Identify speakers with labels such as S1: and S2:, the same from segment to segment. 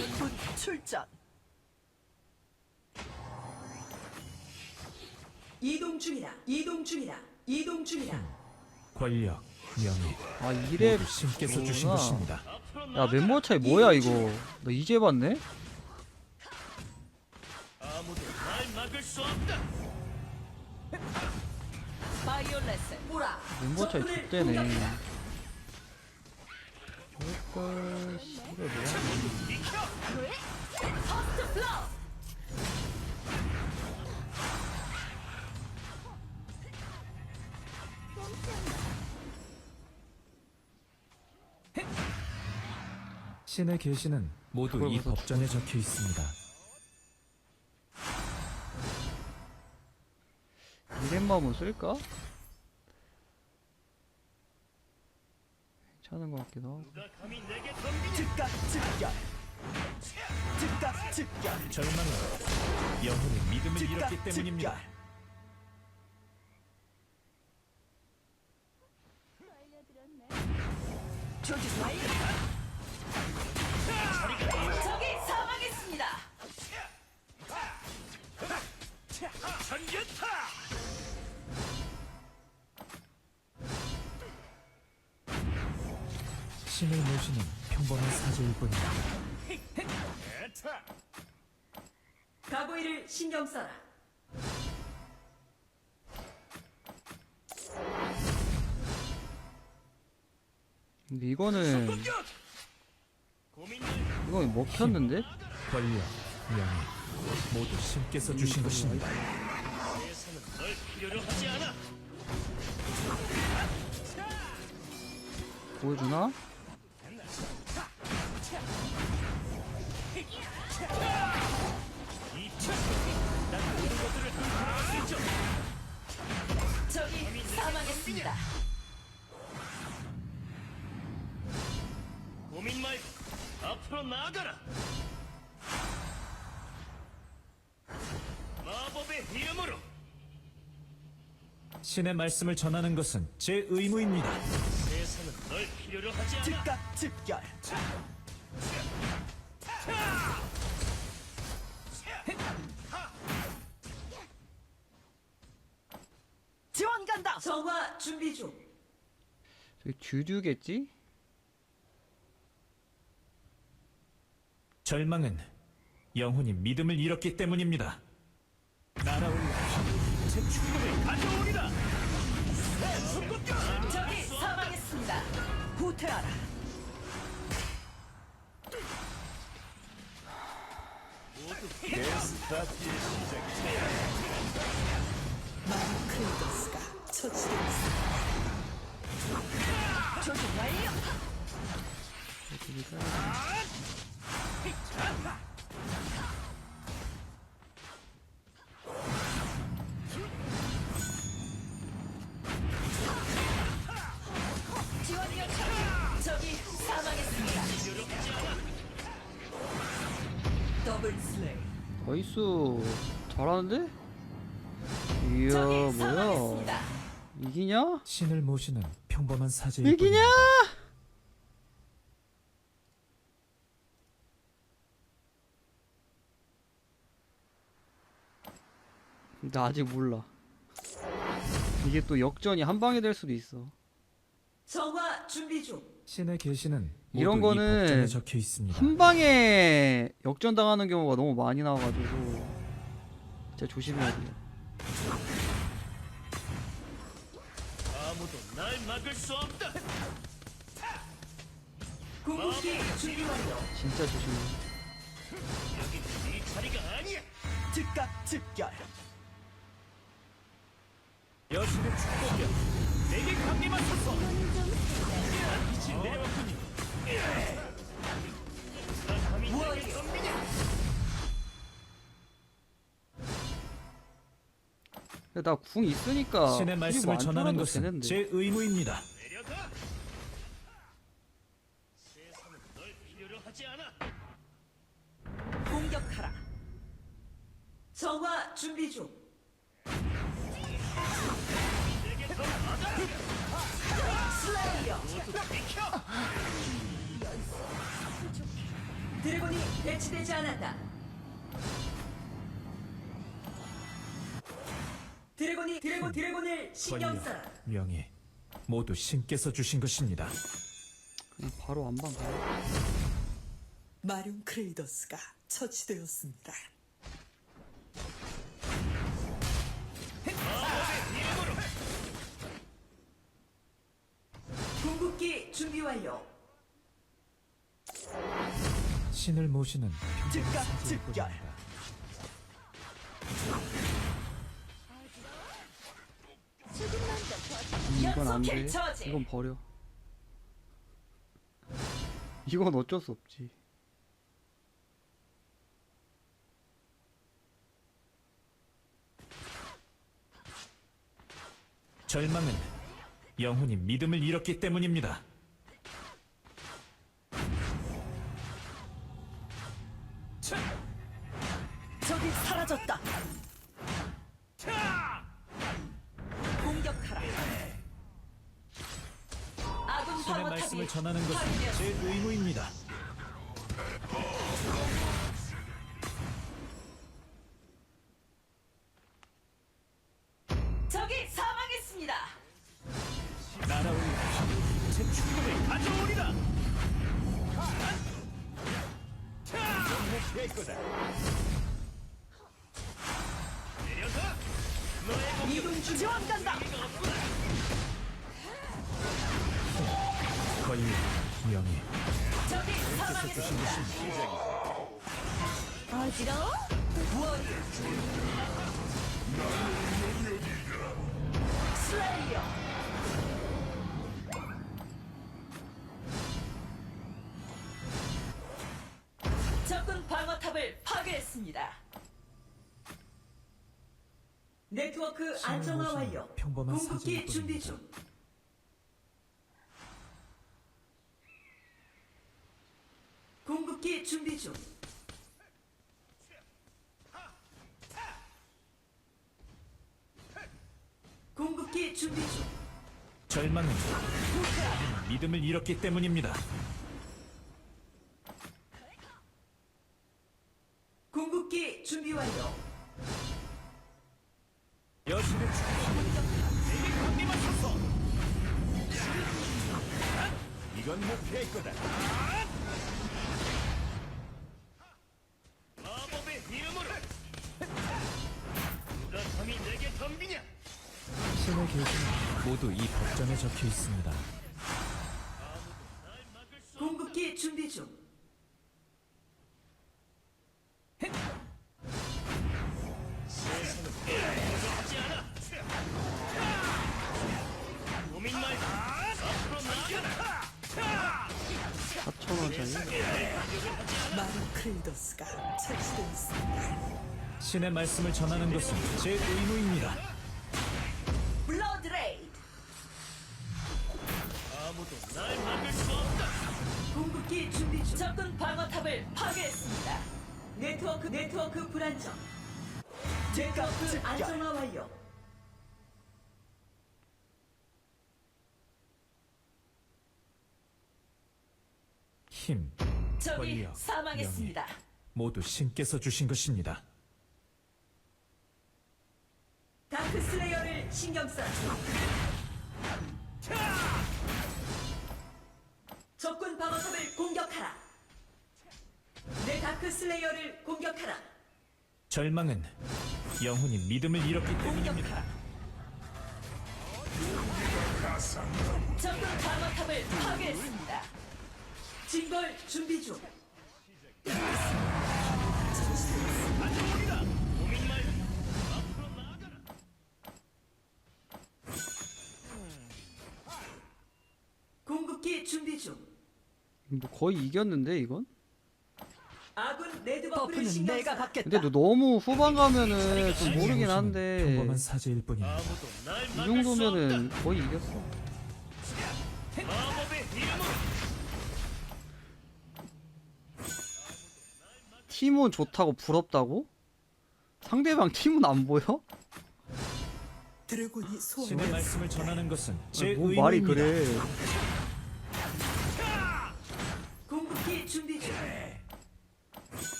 S1: 군 출전. 이동 중이다. 이동 중이다. 이동 중이다.
S2: 권력, 명예,
S3: 아 이래
S2: 모두 신께서 주신 것입니다.
S3: 야 멤버 차이 뭐야 이거 나 이제 봤네?
S4: 아무도 날 막을 수 없다.
S1: 바이올렛을 보라.
S3: 멤버 차이
S1: 적군을
S3: X대네.
S1: 공격해라.
S3: 저걸 씨발 뭐야?
S1: 퍼스트 플러.
S2: 신의 계시는 모두
S3: 그걸
S2: 이
S3: 무슨
S2: 법전에 적혀 있습니다.
S3: 이렘마음은 쓸까? 괜찮은 것 같기도 하고.
S4: 누가 감히 내게 덤비냐?
S1: 즉각 즉결. 즉각 즉결.
S2: 절망은 영혼의 믿음을
S1: 즉각
S2: 잃었기 때문입니다.
S1: 즉결. 조준 완료. 적이 사망했습니다.
S4: 전개타.
S2: 신을 모시는 평범한 사제일 뿐입니다.
S4: 에타.
S1: 가고이를 신경 써라.
S3: 근데 이거는
S4: 고민을
S3: 이건 먹혔는데?
S2: 권력, 명예, 모두 신께서 주신 것입니다.
S4: 세상은 널 필요로 하지 않아.
S3: 보여주나?
S4: 난 모든 것들을 뚫어갈 수 있죠.
S1: 적이 사망했습니다.
S4: 고민 말고 앞으로 나아가라. 마법의 이름으로
S2: 신의 말씀을 전하는 것은 제 의무입니다.
S4: 세상은 널 필요로 하지 않아.
S1: 즉각 즉결. 지원 간다. 정화 준비 중.
S3: 저기 주류겠지?
S2: 절망은 영혼이 믿음을 잃었기 때문입니다. 날아올라 제 축복을 가져오리라.
S1: 적이 사망했습니다. 후퇴하라. 마린 크레이더스가 처치되었습니다. 조준 완료. 지원 요청. 적이 사망했습니다. 더블 슬레이.
S3: 나이스 잘하는데? 이야
S1: 적이
S3: 뭐야
S1: 사망했습니다.
S3: 이기냐?
S2: 신을 모시는 평범한 사제일
S3: 이기냐?
S2: 뿐입니다.
S3: 나 아직 몰라. 이게 또 역전이 한 방에 될 수도 있어.
S1: 정화 준비 중.
S2: 신의 계시는
S3: 이런
S2: 모두
S3: 거는
S2: 이 법전에 적혀 있습니다.
S3: 한 방에 역전 당하는 경우가 너무 많이 나와가지고 진짜 조심해야 돼요.
S4: 아무도 날 막을 수 없다.
S1: 궁극기 준비 완료.
S3: 진짜 조심해.
S4: 여긴 네 자리가 아니야.
S1: 즉각 즉결.
S2: 여신의 축복이여 내게 강림하소서. 이제 내왔군요.
S4: 누가 감히 내게 덤비냐?
S3: 나 궁 있으니까
S2: 신의 말씀을
S3: 안
S2: 전하는
S3: 쫄아도
S2: 것은
S3: 되는데.
S2: 제 의무입니다.
S4: 내려가. 세상은 널 필요로 하지 않아.
S1: 공격하라. 정화 준비 중.
S4: 내게 더 받아.
S1: 슬레이어.
S4: 모두 비켜.
S1: 드래곤이 배치되지 않았다. 드래곤을 신경
S2: 권력,
S1: 써라.
S2: 명예 모두 신께서 주신 것입니다.
S3: 그냥 바로 안방 가.
S5: 마륜 크레이더스가 처치되었습니다.
S1: 궁극기 준비 완료.
S2: 신을 모시는
S5: 즉각 즉결.
S2: 뿐입니다.
S3: 이건 안 돼.
S1: 연속킬 처지.
S3: 이건 버려. 이건 어쩔 수 없지.
S2: 절망은 영혼이 믿음을 잃었기 때문입니다.
S5: 적이 사라졌다. 공격하라.
S1: 아군
S2: 신의 말씀을
S1: 방어탑이
S2: 전하는 것은
S1: 파괴되었습니다.
S2: 제 의무입니다.
S1: 적이 사망했습니다.
S2: 날아올라
S4: 제 충동을 가져오리라. 될 거다. 내려가. 너의
S1: 이동 중.
S5: 지원 간다.
S2: 권력, 명예
S1: 적이 사망했습니다.
S5: 어지러워?
S1: 슬레이어. 적군 방어탑을 파괴했습니다. 네트워크 안정화
S2: 모시는
S1: 완료.
S2: 평범한
S1: 궁극기
S2: 사진일
S1: 준비
S2: 뿐입니다.
S1: 중. 궁극기 준비 중. 궁극기 준비 중.
S2: 절망은 믿음을 잃었기 때문입니다.
S1: 궁극기 준비 완료.
S2: 여신의
S4: 내게 강림을 섰어. 이건 목표일 거다. 마법의 이름으로. 누가 감히 내게 덤비냐?
S2: 신의 계시는 모두 이 법전에 적혀 있습니다.
S4: 날 막을 수 없다.
S1: 궁극기 준비 중.
S4: 하지 않아. 고민 말고 앞으로 나아가라.
S3: 4,000원짜리.
S5: 마륜 크레이더스가 처치되었습니다.
S2: 신의 말씀을 전하는 것은 제 의무입니다.
S1: 블러드 레이드.
S4: 아무도 날 막을 수 없다.
S1: 궁극기 준비 중. 적군 방어탑을 파괴했습니다. 네트워크 불안정. 네트워크 안정화 완료.
S2: 힘,
S1: 적이
S2: 권력,
S1: 사망했습니다.
S2: 모두 신께서 주신 것입니다.
S1: 다크 슬레이어를 신경 써라. 적군 방어탑을 공격하라. 내 다크 슬레이어를 공격하라.
S2: 절망은 영혼이 믿음을 잃었기 때문입니다.
S1: 적군 방어탑을 파괴했습니다. 진걸 준비 중.
S4: 고민 말고 앞으로 나아가라.
S1: 궁극기 준비 중.
S3: 뭐 거의 이겼는데 이건?
S1: 아군 레드버프를
S5: 버프는
S1: 신경
S5: 내가
S1: 써라.
S5: 받겠다.
S3: 근데 너 너무 후반 가면은 좀 모르긴 한데
S2: 평범한 사제일 뿐입니다.
S4: 아무도 날
S3: 이
S4: 막을 수
S3: 정도면은
S4: 없다.
S3: 거의 이겼어.
S4: 마법의 이름으로.
S3: 팀은 좋다고 부럽다고? 상대방 팀은 안 보여?
S5: 드래곤이
S2: 신의
S5: 소환되었습니다.
S2: 말씀을 전하는 것은 제
S3: 뭐
S2: 의무입니다.
S3: 말이 그래.
S1: 궁극기 준비 중.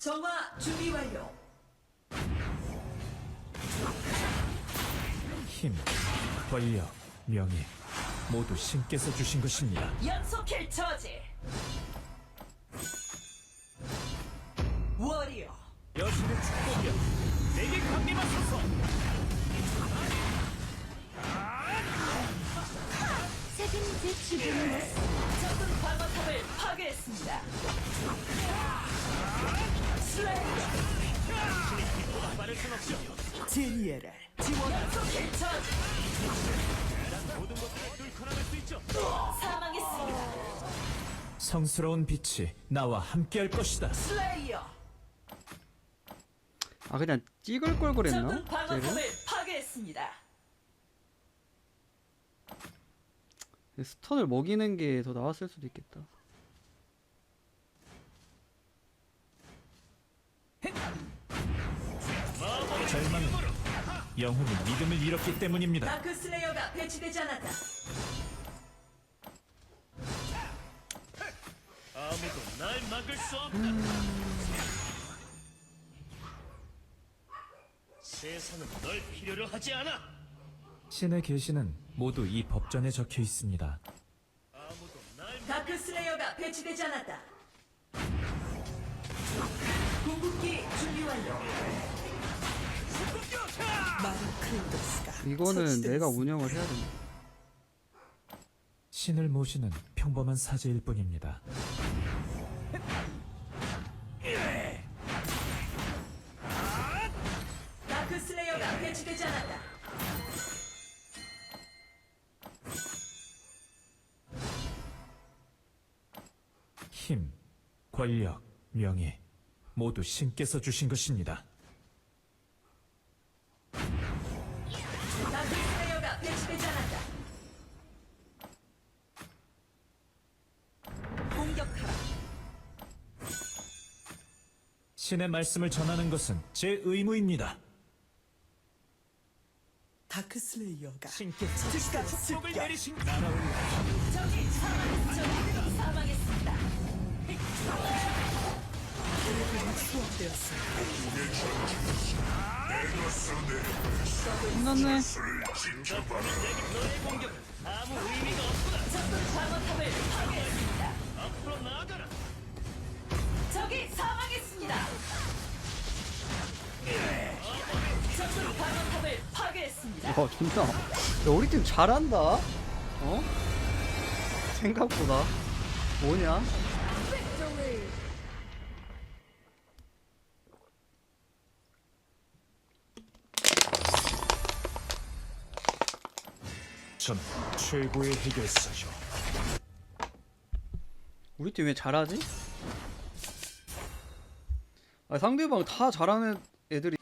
S1: 정화 준비 완료.
S2: 힘, 권력, 명예 모두 신께서 주신 것입니다.
S5: 연속킬 처지. 워리어.
S4: 여신의 축복이여 내게 강림하 소서.
S6: 책임질 지금
S5: 적군 방어탑을 파괴했습니다. 슬레이어.
S4: 빠를 순 없죠.
S5: 제니에를 지원. 연속킬 처지.
S4: 모든 것들을 뚫고 나갈 수 있죠.
S5: 사망했습니다.
S2: 성스러운 빛이 나와 함께할 것이다.
S5: 슬레이어.
S3: 아 그냥 찍을 걸 그랬나?
S5: 적군
S3: 쟤를?
S5: 방어탑을 파괴했습니다.
S3: 스턴을 먹이는 게 더 나았을 수도 있겠다.
S2: 절망은 영혼이 믿음을 잃었기 때문입니다.
S1: 다크 슬레이어가 배치되지 않았다.
S4: 아무도 날 막을 수 없다. 세상은 널 필요로 하지 않아.
S2: 신의 계시는 모두 이 법전에 적혀 있습니다.
S4: 아무도 날
S1: 다크 슬레이어가 배치되지 않았다. 궁극기 준비 완료.
S5: 마루 클리더스가
S3: 이거는
S5: 처치되었습니다.
S3: 내가 운영을 해야 된다.
S2: 신을 모시는 평범한 사제일 뿐입니다.
S1: 다크 슬레이어가 배치되지 않았다.
S2: 힘, 권력, 명예 모두 신께서 주신 것입니다.
S1: 다크 슬레이어가 배치되지 않았다.
S5: 공격하라.
S2: 신의 말씀을 전하는 것은 제 의무입니다.
S5: 다크 슬레이어가
S2: 신께서
S5: 즉각
S4: 축복을
S5: 습격.
S4: 내리신
S5: 적이 사망했습니다. 드래곤이 수업되었습니다.
S3: 끝났네.
S4: 너의 공격은 아무 의미가 없구나.
S5: 적군 방어탑을 파괴했습니다.
S4: 앞으로 나아가라.
S5: 적이 사망했습니다. 적군 방어탑을 파괴했습니다.
S3: 와 존나. 야 우리 팀 잘한다. 어? 생각보다. 뭐냐?
S2: 전 최고의 해결사죠.
S3: 우리 팀 왜 잘하지? 아 상대방 다 잘하는 애들이